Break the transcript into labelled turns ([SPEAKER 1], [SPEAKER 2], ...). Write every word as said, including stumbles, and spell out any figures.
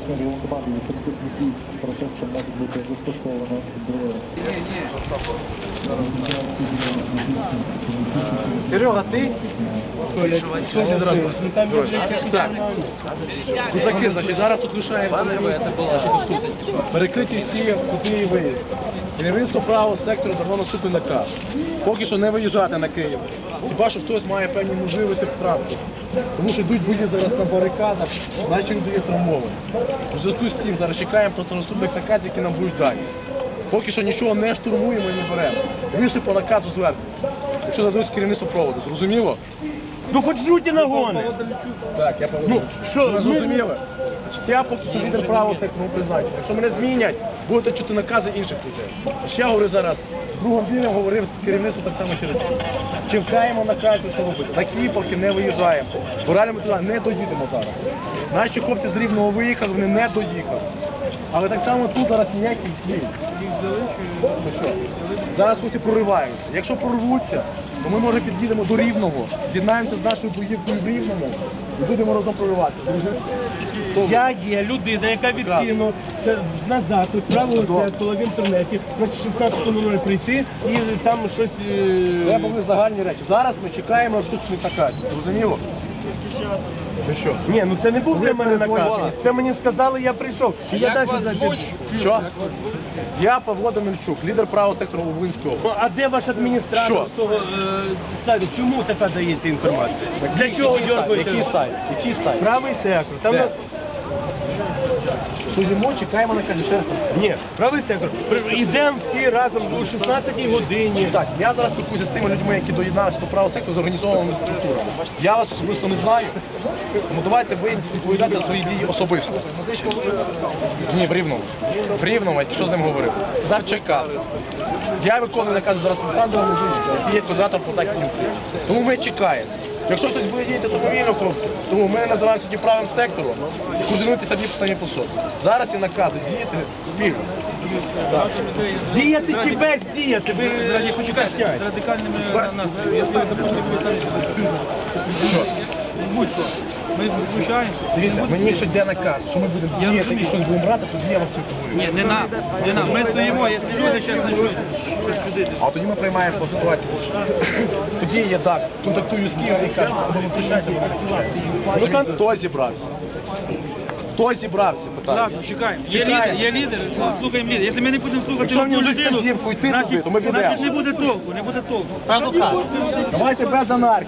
[SPEAKER 1] його команди, якщо такий процес, що може бути застосовано.
[SPEAKER 2] Серега, ти? Всі зараз так. Козаки, значить, зараз тут лишається перекриті всі кути і виїзд. Керівництво правого сектору дало наступний наказ. Поки що не виїжджати на Київ. Хіба що хтось має певні можливості в транспорті. Тому що йдуть бої зараз на барикадах, наші люди є травмовані. У зв'язку з цим зараз чекаємо просто наступних наказів, які нам будуть дані. Поки що нічого не штурмуємо і не беремо. Вийшли по наказу зверху. Якщо дадуть керівництво проводу, зрозуміло?
[SPEAKER 3] Ну хоч жуті нагони.
[SPEAKER 2] Так, я Павло. Ну, що, ви зрозуміли? Я поки що лідер правого сектору призначення. Якщо мене змінять, будете чути накази інших людей. Я говорю зараз, з другом Вілем говорив з керівництвом так само через Київ. Чекаємо наказів, що робити. На Київ поки не виїжджаємо. Бо реально ми туди не доїдемо зараз. Наші хлопці з Рівного виїхали, вони не доїхали. Але так само тут зараз ніяких дій. Що, що? Зараз хлопці прориваються. Якщо прорвуться, то ми, може, під'їдемо до Рівного, з'єднаємося з нашою боївкою в Рівному і будемо разом проривати.
[SPEAKER 3] Я є людина, яка відкинула назад, правило в інтернеті, на шістнадцяту нуль прийти і там щось...
[SPEAKER 2] Це були загальні речі. Зараз ми чекаємо наступних наказів. Зрозуміло? Що, що?
[SPEAKER 3] Ні, ну це не був для мене наказ. Це мені сказали, я прийшов. І я далі звуть.
[SPEAKER 2] Що? Я Павло Данильчук, лідер правого сектору Волинського.
[SPEAKER 3] А де ваш адміністратор
[SPEAKER 2] Що?
[SPEAKER 3] з того е, сайту? Чому така дається інформація? Для чого
[SPEAKER 2] Який сайт?
[SPEAKER 3] дергаєте?
[SPEAKER 2] Який сайт? Який сайт?
[SPEAKER 3] Правий сектор. Там
[SPEAKER 2] Де?
[SPEAKER 3] на-
[SPEAKER 2] Стоїмо, чекаємо наказів. Ще раз.
[SPEAKER 3] Ні, правий сектор. При- Ідемо всі разом о шістнадцятій годині.
[SPEAKER 2] Так, я зараз спілкуюся з тими людьми, які доєдналися до правого сектору з організованими структурами. Я вас особисто не знаю, тому давайте ви відповідайте за свої дії особисто. Ні, в Рівному. В Рівному, я що з ним говорив? Сказав чекати. Я виконую наказ зараз Олександра Лозинського, який є координатором по Західній Україні. Тому ми чекаємо. Якщо хтось буде діяти самовільно, хлопці, тому ми називаємо сьогодні правим сектором і координуйте самі самі по собі. Зараз є накази діяти спільно. Так.
[SPEAKER 3] Діяти чи без діяти? Ви не почекайте.
[SPEAKER 4] радикальными настроями. Если, допустим, вы сами будь-що, ми включаємо.
[SPEAKER 2] Дивіться, мені якщо йде наказ, що ми будемо діяти і щось будемо брати, тоді я вам всіх говорю.
[SPEAKER 4] Ні, не нам, не нам. Ми стоїмо, якщо люди зараз почнуть щось чудити.
[SPEAKER 2] А тоді ми приймаємо по ситуації. Тоді я так, контактую з Києвом і кажу, або ми включаємося, або не Хто зібрався? Хто зібрався, питаю.
[SPEAKER 4] Так, чекаємо. Є лідер, є лідер, слухаємо лідер. Якщо ми не будемо слухати
[SPEAKER 2] Якщо мені
[SPEAKER 4] одну
[SPEAKER 2] дадуть
[SPEAKER 4] людину,
[SPEAKER 2] вказівку йти туди,
[SPEAKER 4] значить,
[SPEAKER 2] то ми підемо.
[SPEAKER 4] значить не буде толку, не буде толку.
[SPEAKER 2] Давайте без анархії.